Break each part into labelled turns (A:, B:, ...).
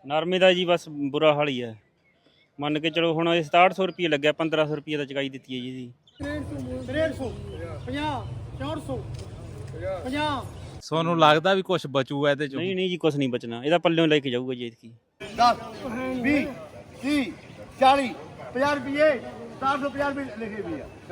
A: ਨਰਮੇ ਦਾ ਜੀ ਬਸ ਬੁਰਾ ਹਾਲ ਹੀ ਹੈ। ਮੰਨ ਕੇ ਚਲੋ ਹੁਣ ਇਹ 6700 ਰੁਪਏ ਲੱਗਿਆ, 1500 ਰੁਪਏ ਦਾ ਚੁਕਾਈ ਦਿੱਤੀ ਹੈ ਜੀ ਇਹਦੀ।
B: 6300 50 400 50।
C: ਤੁਹਾਨੂੰ ਲੱਗਦਾ ਵੀ ਕੁਝ ਬਚੂਗਾ ਇਹਦੇ ਚੋਂ?
A: ਨਹੀਂ ਨਹੀਂ ਜੀ, ਕੁਛ ਨਹੀਂ ਬਚਣਾ, ਇਹਦਾ ਪੱਲਿਓਂ ਲੈ ਕੇ ਜਾਊਗਾ ਜੀ ਇਤਕੀ।
B: 10 20 30 40 50 ਰੁਪਏ 450 ਰੁਪਏ ਲਿਖੇ ਵੀ ਆ।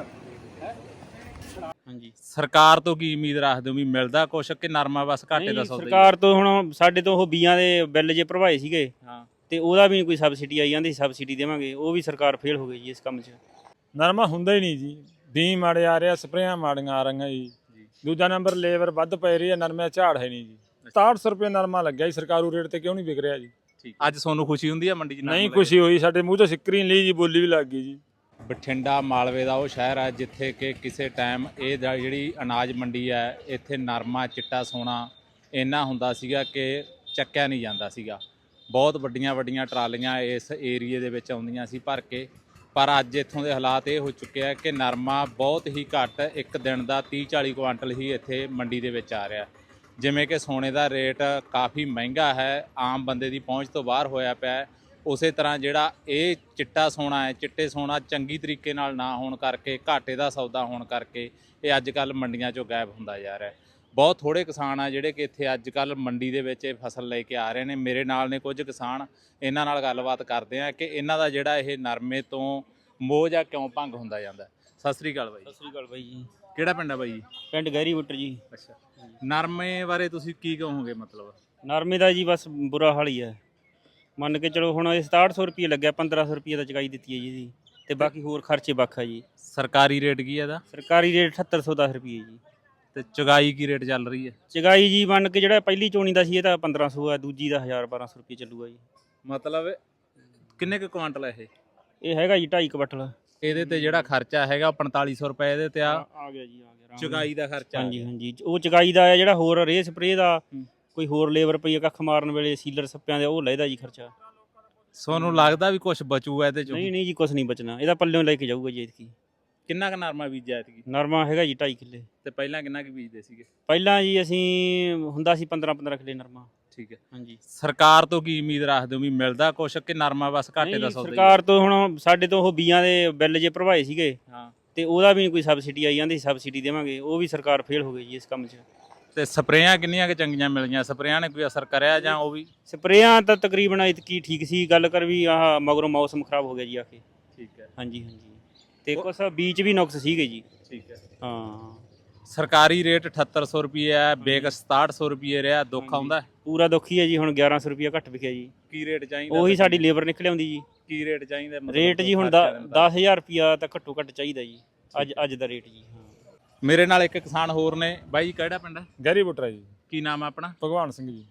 A: ਹਾਂਜੀ,
C: ਸਰਕਾਰ ਤੋਂ ਕੀ ਉਮੀਦ ਰੱਖਦੇ ਹੋ ਵੀ ਮਿਲਦਾ ਕੁਛ ਕਿ ਨਰਮਾ ਬਸ ਘਾਟੇ ਦਾ ਸੌਦਾ ਹੀ?
A: ਸਰਕਾਰ ਤੋਂ ਹੁਣ ਸਾਡੇ ਤੋਂ ਉਹ ਬੀਆਂ ਦੇ ਬਿੱਲ ਜੇ ਭਰਵਾਏ ਸੀਗੇ,
C: ਹਾਂ,
A: ਤੇ ਉਹਦਾ ਵੀ ਨਹੀਂ ਕੋਈ ਸਬਸਿਡੀ ਆਈ ਜਾਂਦੀ, ਸਬਸਿਡੀ ਦੇਵਾਂਗੇ, ਉਹ ਵੀ ਸਰਕਾਰ ਫੇਲ ਹੋ ਗਈ ਜੀ ਇਸ ਕੰਮ 'ਚ।
D: ਨਰਮਾ ਹੁੰਦਾ ਹੀ ਨਹੀਂ ਜੀ, ਬੀ ਮਾੜੇ ਆ ਰਿਹਾ, ਸਪਰੇਆਂ ਮਾੜੀਆਂ ਆ ਰਹੀਆਂ ਜੀ। ਦੂਜਾ ਨੰਬਰ ਲੇਬਰ ਵੱਧ ਪੈ ਰਹੀ ਹੈ, ਨਰਮੇ ਝਾੜ ਹੈ ਨਹੀਂ ਜੀ। 6700 ਰੁਪਏ ਨਰਮਾ ਲੱਗਿਆ ਜੀ, ਸਰਕਾਰੂ ਰੇਟ ਤੇ ਕਿਉਂ ਨਹੀਂ ਵਿਕ ਰਿਹਾ ਜੀ?
C: ਠੀਕ। ਅੱਜ ਤੁਹਾਨੂੰ ਖੁਸ਼ੀ ਹੁੰਦੀ ਹੈ ਮੰਡੀ 'ਚ?
D: ਨਹੀਂ ਖੁਸ਼ੀ ਹੋਈ, ਸਾਡੇ ਮੂੰਹ ਤੋਂ ਸਿੱਕਰੀ ਨਹੀਂ ਲਈ ਜੀ, ਬੋਲੀ ਵੀ ਲੱਗ ਗਈ ਜੀ।
C: ਬਠਿੰਡਾ ਮਾਲਵੇ ਦਾ ਉਹ ਸ਼ਹਿਰ ਹੈ ਜਿੱਥੇ ਕਿ ਕਿਸੇ ਟਾਈਮ ਇਹ ਜਿਹੜੀ ਅਨਾਜ ਮੰਡੀ ਹੈ ਇੱਥੇ ਨਰਮਾ ਚਿੱਟਾ ਸੋਨਾ ਇੰਨਾ ਹੁੰਦਾ ਸੀਗਾ ਕਿ ਚੱਕਿਆ ਨਹੀਂ ਜਾਂਦਾ ਸੀਗਾ। ਬਹੁਤ ਵੱਡੀਆਂ ਵੱਡੀਆਂ ਟਰਾਲੀਆਂ ਇਸ ਏਰੀਏ ਦੇ ਵਿੱਚ ਆਉਂਦੀਆਂ ਸੀ ਭਰ ਕੇ, ਪਰ ਅੱਜ ਇੱਥੋਂ ਦੇ ਹਾਲਾਤ ਇਹ ਹੋ ਚੁੱਕੇ ਆ ਕਿ ਨਰਮਾ ਬਹੁਤ ਹੀ ਘੱਟ, ਇੱਕ ਦਿਨ ਦਾ 30-40 ਕੁਆਂਟਲ ਹੀ ਇੱਥੇ ਮੰਡੀ ਦੇ ਵਿੱਚ ਆ ਰਿਹਾ। ਜਿਵੇਂ ਕਿ ਸੋਨੇ ਦਾ ਰੇਟ ਕਾਫੀ ਮਹਿੰਗਾ ਹੈ, ਆਮ ਬੰਦੇ ਦੀ ਪਹੁੰਚ ਤੋਂ ਬਾਹਰ ਹੋਇਆ ਪਿਆ, ਉਸੇ ਤਰ੍ਹਾਂ ਜਿਹੜਾ ਇਹ ਚਿੱਟਾ ਸੋਨਾ ਹੈ, ਚਿੱਟੇ ਸੋਨਾ ਚੰਗੀ ਤਰੀਕੇ ਨਾਲ ਨਾ ਹੋਣ ਕਰਕੇ, ਘਾਟੇ ਦਾ ਸੌਦਾ ਹੋਣ ਕਰਕੇ ਇਹ ਅੱਜ ਕੱਲ੍ਹ ਮੰਡੀਆਂ 'ਚੋਂ ਗਾਇਬ ਹੁੰਦਾ ਜਾ ਰਿਹਾ। ਬਹੁਤ ਥੋੜ੍ਹੇ ਕਿਸਾਨ ਆ ਜਿਹੜੇ ਕਿ ਇੱਥੇ ਅੱਜ ਕੱਲ੍ਹ ਮੰਡੀ ਦੇ ਵਿੱਚ ਇਹ ਫਸਲ ਲੈ ਕੇ ਆ ਰਹੇ ਨੇ। ਮੇਰੇ ਨਾਲ ਨੇ ਕੁਝ ਕਿਸਾਨ, ਇਹਨਾਂ ਨਾਲ ਗੱਲਬਾਤ ਕਰਦੇ ਆ ਕਿ ਇਹਨਾਂ ਦਾ ਜਿਹੜਾ ਇਹ ਨਰਮੇ ਤੋਂ ਮੋਹ ਜਾਂ ਕਿਉਂ ਭੰਗ ਹੁੰਦਾ ਜਾਂਦਾ। ਸਤਿ ਸ੍ਰੀ ਅਕਾਲ ਬਾਈ।
A: ਸਤਿ ਸ੍ਰੀ ਅਕਾਲ ਬਾਈ ਜੀ।
C: ਕਿਹੜਾ ਪਿੰਡ ਆ ਬਾਈ ਜੀ?
A: ਪਿੰਡ ਗਹਿਰੀ ਬੁੱਟਰ ਜੀ।
C: ਅੱਛਾ, ਨਰਮੇ ਬਾਰੇ ਤੁਸੀਂ ਕੀ ਕਹੋਗੇ? ਮਤਲਬ
A: ਨਰਮੇ ਦਾ ਜੀ ਬਸ ਬੁਰਾ ਹਾਲ ਹੀ ਹੈ। ਮੰਨ ਕੇ ਚਲੋ ਹੁਣ ਇਹ 6700 ਰੁਪਏ ਲੱਗਿਆ, 1500 ਰੁਪਏ ਦਾ ਚੁਕਾਈ ਦਿੱਤੀ ਹੈ ਜੀ ਇਹਦੀ, ਤੇ ਬਾਕੀ ਹੋਰ ਖਰਚੇ ਵੱਖ ਆ ਜੀ।
C: ਸਰਕਾਰੀ ਰੇਟ ਕੀ ਹੈ ਇਹਦਾ?
A: ਸਰਕਾਰੀ ਰੇਟ 7810 ਰੁਪਏ ਜੀ।
C: ਤੇ ਚੁਗਾਈ ਕੀ ਰੇਟ ਚੱਲ ਰਹੀ ਹੈ?
A: ਚੁਕਾਈ ਜੀ ਮੰਨ ਕੇ ਜਿਹੜਾ ਪਹਿਲੀ ਚੋਣੀ ਦਾ ਸੀ ਇਹ ਤਾਂ 1500 ਆ, ਦੂਜੀ ਦਾ 1000-1200 ਰੁਪਏ ਚੱਲੂਗਾ ਜੀ।
C: ਮਤਲਬ ਕਿੰਨੇ ਕੁ ਕੁਆਂਟਲ ਹੈ ਇਹ?
A: ਇਹ ਹੈਗਾ ਜੀ 2.5 ਕੁਆਂਟਲ।
C: ਇਹਦੇ ਤੇ ਜਿਹੜਾ ਖਰਚਾ ਹੈਗਾ 4500 ਰੁਪਏ ਇਹਦੇ ਤੇ ਆ
A: ਗਿਆ ਜੀ, ਆ ਗਿਆ
C: ਚੁਗਾਈ ਦਾ ਖਰਚਾ।
A: ਹਾਂਜੀ ਹਾਂਜੀ, ਉਹ ਚੁਕਾਈ ਦਾ ਹੈ। ਜਿਹੜਾ ਹੋਰ ਰੇ ਸਪਰੇ ਦਾ ਕੋਈ ਹੋਰ ਲੇਬਰ ਪਈ ਕੱਖ ਮਾਰਨ ਵੇਲੇ ਸੀਲਰ ਸੱਪਿਆਂ ਦੇ, ਉਹ ਲੈਦਾ ਜੀ ਖਰਚਾ।
C: ਤੁਹਾਨੂੰ ਲੱਗਦਾ ਵੀ ਕੁਝ ਬਚੂਗਾ ਇਹਦੇ ਚੋਂ?
A: ਨਹੀਂ ਨਹੀਂ ਜੀ, ਕੁਛ ਨਹੀਂ ਬਚਣਾ, ਇਹਦਾ ਪੱਲਿਓਂ ਲੈ ਕੇ ਜਾਊਗਾ ਜੀ ਇਤਕੀ।
C: ਕਿੰਨਾ ਕੁ ਨਰਮਾ ਬੀਜਿਆ ਐਤਕੀ?
A: ਨਰਮਾ ਹੈਗਾ ਜੀ 2.5 ਕਿੱਲੇ।
C: ਤੇ ਪਹਿਲਾਂ ਕਿੰਨਾ ਕੁ ਬੀਜਦੇ ਸੀਗੇ?
A: ਪਹਿਲਾਂ ਜੀ ਅਸੀਂ ਹੁੰਦਾ ਸੀ 15-15 ਕਿੱਲੇ ਨਰਮਾ।
C: ਠੀਕ ਹੈ।
A: ਹਾਂਜੀ,
C: ਸਰਕਾਰ ਤੋਂ ਕੀ ਉਮੀਦ ਰੱਖਦੇ ਹੋ ਵੀ ਮਿਲਦਾ ਕੁਛ ਕਿ ਨਰਮਾ ਬਸ ਘਾਟੇ ਦਾ ਸੌਦਾ ਹੀ?
A: ਸਰਕਾਰ ਤੋਂ ਹੁਣ ਸਾਡੇ ਤੋਂ ਉਹ ਬੀਆਂ ਦੇ ਬਿੱਲ ਜੇ ਭਰਵਾਏ ਸੀਗੇ,
C: ਹਾਂ,
A: ਤੇ ਉਹਦਾ ਵੀ ਨਹੀਂ ਕੋਈ ਸਬਸਿਡੀ ਆਈ ਜਾਂਦੀ, ਸਬਸਿਡੀ ਦੇਵਾਂਗੇ, ਉਹ ਵੀ ਸਰਕਾਰ ਫੇਲ ਹੋ ਗਈ ਜੀ ਇਸ ਕੰਮ 'ਚ।
C: ਤੇ ਸਪਰੇਆਂ ਕਿੰਨੀਆਂ ਕੁ ਚੰਗੀਆਂ ਮਿਲੀਆਂ? ਸਪਰੇਆਂ ਨੇ ਕੋਈ ਅਸਰ ਕਰਿਆ ਜਾਂ ਉਹ ਵੀ?
A: ਸਪਰੇਆਂ ਤਾਂ ਤਕਰੀਬਨ ਇਤਕੀ ਠੀਕ ਸੀ, ਗੱਲ ਕਰ ਵੀ ਆਹ ਮਗਰੋਂ ਮੌਸਮ ਖਰਾਬ ਹੋ ਗਿਆ ਜੀ ਆ ਕੇ।
C: ਠੀਕ ਹੈ।
A: ਹਾਂਜੀ ਹਾਂਜੀ, ਤੇ ਕੁਛ ਬੀਜ ਵੀ ਨੁਕਸ ਸੀਗੇ ਜੀ।
C: ਠੀਕ ਹੈ।
A: ਹਾਂ,
C: ਸਰਕਾਰੀ ਰੇਟ 7800 ਰੁਪਏ ਹੈ, ਬੇਕ 6700 ਰੁਪਏ ਰਿਹਾ। ਦੁੱਖ ਆਉਂਦਾ?
A: ਪੂਰਾ ਦੁੱਖ ਹੀ ਹੈ ਜੀ। ਹੁਣ 1100 ਰੁਪਏ ਘੱਟ ਵਿਕਿਆ ਜੀ।
C: ਕੀ ਰੇਟ ਚਾਹੀਦਾ?
A: ਉਹੀ ਸਾਡੀ ਲੇਬਰ ਨਿਕਲ ਆਉਂਦੀ ਜੀ।
C: ਕੀ ਰੇਟ ਚਾਹੀਦਾ?
A: ਰੇਟ ਜੀ ਹੁਣ 10,000 ਰੁਪਿਆ ਤਾਂ ਘੱਟੋ ਘੱਟ ਚਾਹੀਦਾ ਜੀ, ਅੱਜ ਦਾ ਰੇਟ ਜੀ। ਹਾਂ,
C: ਮੇਰੇ ਨਾਲ ਇੱਕ ਕਿਸਾਨ ਹੋਰ ਨੇ। ਬਾਈ ਜੀ ਕਿਹੜਾ ਪਿੰਡ ਹੈ?
D: ਗਹਿਰੀ ਬੁੱਟਰਾ ਜੀ।
C: ਕੀ ਨਾਮ ਹੈ ਆਪਣਾ?
D: ਭਗਵਾਨ ਸਿੰਘ ਜੀ।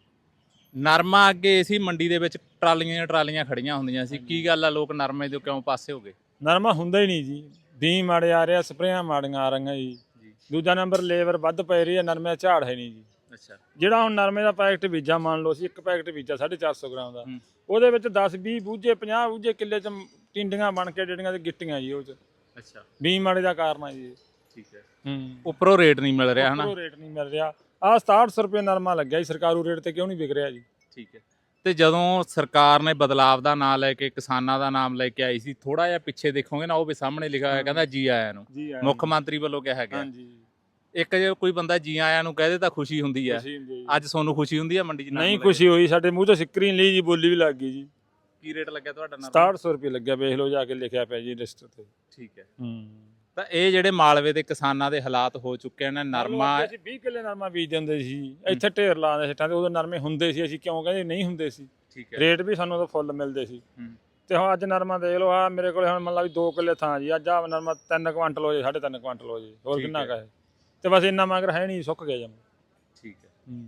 C: ਨਰਮਾ ਅੱਗੇ ਸੀ ਮੰਡੀ ਦੇ ਵਿੱਚ ਟਰਾਲੀਆਂ ਟਰਾਲੀਆਂ ਖੜੀਆਂ ਹੁੰਦੀਆਂ ਸੀ, ਕੀ ਗੱਲ ਆ ਲੋਕ ਨਰਮੇ ਤੋਂ ਕਿਉਂ ਪਾਸੇ ਹੋ ਗਏ?
D: ਨਰਮਾ ਹੁੰਦਾ ਹੀ ਨਹੀਂ ਜੀ, ਬੀ ਮਾੜੇ ਆ ਰਿਹਾ, ਸਪਰੇਆਂ ਮਾੜੀਆਂ ਆ ਰਹੀਆਂ ਜੀ। ਦੂਜਾ ਨੰਬਰ ਲੇਬਰ ਵੱਧ ਪੈ ਰਹੀ ਹੈ, ਨਰਮੇ ਝਾੜ ਹੈ ਨਹੀਂ ਜੀ।
C: ਅੱਛਾ।
D: ਜਿਹੜਾ ਹੁਣ ਨਰਮੇ ਦਾ ਪੈਕਟ ਬੀਜਾ, ਮੰਨ ਲਓ ਸੀ ਇੱਕ ਪੈਕਟ ਬੀਜਾ 450 ਗ੍ਰਾਮ ਦਾ, ਉਹਦੇ ਵਿੱਚ 10-20 ਬੂਝੇ 50 ਬੂਝੇ ਕਿੱਲੇ ਚ ਟਿੰਡੀਆਂ ਬਣ ਕੇ ਜਿਹੜੀਆਂ ਤੇ ਗਿੱਟੀਆਂ ਜੀ ਉਹ ਚ।
C: ਅੱਛਾ।
D: ਬੀ ਮਾੜੇ ਦਾ ਕਾਰਨ ਆ ਜੀ।
C: ਠੀਕ ਹੈ। ਉੱਪਰੋਂ ਰੇਟ ਨਹੀਂ ਮਿਲ ਰਿਹਾ ਹਨਾ?
D: ਉੱਪਰੋਂ ਰੇਟ ਨਹੀਂ ਮਿਲ ਰਿਹਾ। ਆਹ 6700 ਰੁਪਏ ਨਰਮਾ ਲੱਗਿਆ ਜੀ, ਸਰਕਾਰੂ ਰੇਟ ਤੇ ਕਿਉਂ ਨਹੀਂ ਵਿਕ ਰਿਹਾ ਜੀ?
C: ਠੀਕ ਹੈ। ਤੇ ਜਦੋਂ ਸਰਕਾਰ ਨੇ ਬਦਲਾਵ ਦਾ ਨਾਮ ਲੈ ਕੇ ਕਿਸਾਨਾਂ ਦਾ ਨਾਮ ਲੈ ਕੇ ਆਈ ਸੀ, ਥੋੜਾ ਜਿਹਾ ਪਿੱਛੇ ਦੇਖੋਗੇ ਨਾ, ਉਹ ਵੀ ਸਾਹਮਣੇ ਲਿਖਿਆ ਹੋਇਆ, ਕਹਿੰਦਾ ਜੀ ਆਇਆਂ ਨੂੰ। ਮੁੱਖ ਮੰਤਰੀ ਵੱਲੋਂ ਕਿਹਾ ਗਿਆ।
D: ਹਾਂਜੀ।
C: ਇੱਕ ਜੇ ਕੋਈ ਬੰਦਾ ਜੀ ਆਇਆਂ ਨੂੰ ਕਹਦੇ ਤਾਂ ਖੁਸ਼ੀ ਹੁੰਦੀ ਹੈ। ਅੱਜ ਤੁਹਾਨੂੰ ਖੁਸ਼ੀ ਹੁੰਦੀ ਹੈ ਮੰਡੀ 'ਚ?
D: ਨਹੀਂ ਖੁਸ਼ੀ ਹੋਈ, ਸਾਡੇ ਮੂੰਹ ਤੋਂ ਸਿੱਕਰੀ ਨਹੀਂ ਲਈ ਜੀ, ਬੋਲੀ ਵੀ ਲੱਗ ਗਈ ਜੀ।
C: ਕੀ ਰੇਟ ਲੱਗਿਆ ਤੁਹਾਡਾ?
D: 6700 ਰੁਪਏ ਲੱਗਿਆ, ਵੇਖ ਲਓ ਜਾ ਕੇ ਲਿਖਿਆ ਪਿਆ ਜੀ ਲਿਸਟ ਤੇ।
C: ਠੀਕ ਹੈ। ਤਾਂ ਇਹ ਜਿਹੜੇ ਮਾਲਵੇ ਦੇ ਕਿਸਾਨਾਂ ਦੇ ਹਾਲਾਤ ਹੋ ਚੁੱਕੇ ਨੇ। ਨਰਮਾ
D: ਅਸੀਂ 20 ਕਿੱਲੇ ਨਰਮਾ ਬੀਜ ਦਿੰਦੇ ਸੀ, ਇੱਥੇ ਢੇਰ ਲਾਉਂਦੇ ਸਿੱਟਾਂ ਤੇ, ਉਦੋਂ ਨਰਮੇ ਹੁੰਦੇ ਸੀ, ਅਸੀਂ ਕਿਉਂ ਕਹਿੰਦੇ ਨਹੀਂ ਹੁੰਦੇ ਸੀ।
C: ਠੀਕ ਹੈ।
D: ਰੇਟ ਵੀ ਸਾਨੂੰ ਉਦੋਂ ਫੁੱਲ ਮਿਲਦੇ ਸੀ। ਤੇ ਹੁਣ ਅੱਜ ਨਰਮਾ ਦੇਖ ਲਓ, ਆ ਮੇਰੇ ਕੋਲ ਹੁਣ ਮੰਨ ਲਾ ਵੀ 2 ਕਿੱਲੇ ਥਾਂ ਜੀ, ਅੱਜ ਆ ਨਰਮਾ 3 ਕੁਆਂਟਲ ਹੋ ਜੇ, 3.5 ਕੁਆਂਟਲ ਹੋ ਜੇ, ਹੋਰ ਕਿੰਨਾ ਕਹੇ। ਤੇ ਬਸ ਇੰਨਾ ਮਗਰ ਹੈ ਨਹੀਂ, ਸੁੱਕ ਗਿਆ ਜਮ।
C: ਠੀਕ ਹੈ।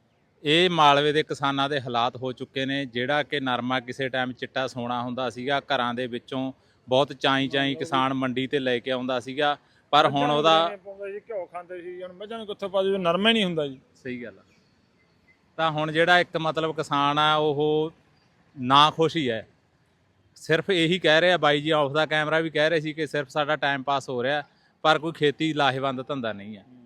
C: ਇਹ ਮਾਲਵੇ ਦੇ ਕਿਸਾਨਾਂ ਦੇ ਹਾਲਾਤ ਹੋ ਚੁੱਕੇ ਨੇ। ਜਿਹੜਾ ਕਿ ਨਰਮਾ ਕਿਸੇ ਟਾਈਮ ਚਿੱਟਾ ਸੋਨਾ ਹੁੰਦਾ ਸੀਗਾ, ਘਰਾਂ ਦੇ ਵਿੱਚੋਂ ਬਹੁਤ ਚਾਈ ਕਿਸਾਨ ਮੰਡੀ ਤੇ ਲੈ ਕੇ ਆਉਂਦਾ ਸੀਗਾ, ਪਰ ਹੁਣ ਉਹਦਾ
D: ਘਿਓ ਖਾਂਦੇ ਸੀ, ਹੁਣ ਮੱਝਾਂ ਨੂੰ ਕਿੱਥੋਂ ਪਾ ਦੂ, ਨਰਮਾ ਹੀ ਨਹੀਂ ਹੁੰਦਾ ਜੀ।
C: ਸਹੀ ਗੱਲ ਆ। ਤਾਂ ਹੁਣ ਜਿਹੜਾ ਇੱਕ ਮਤਲਬ ਕਿਸਾਨ ਆ ਉਹ ਨਾ ਖੁਸ਼ ਹੀ ਹੈ। ਸਿਰਫ ਇਹੀ ਕਹਿ ਰਿਹਾ, ਬਾਈ ਜੀ ਆਫ ਦਾ ਕੈਮਰਾ ਵੀ ਕਹਿ ਰਹੇ ਸੀ ਕਿ ਸਿਰਫ ਸਾਡਾ ਟਾਈਮ ਪਾਸ ਹੋ ਰਿਹਾ, ਪਰ ਕੋਈ ਖੇਤੀ ਲਾਹੇਵੰਦ ਧੰਦਾ ਨਹੀਂ ਹੈ।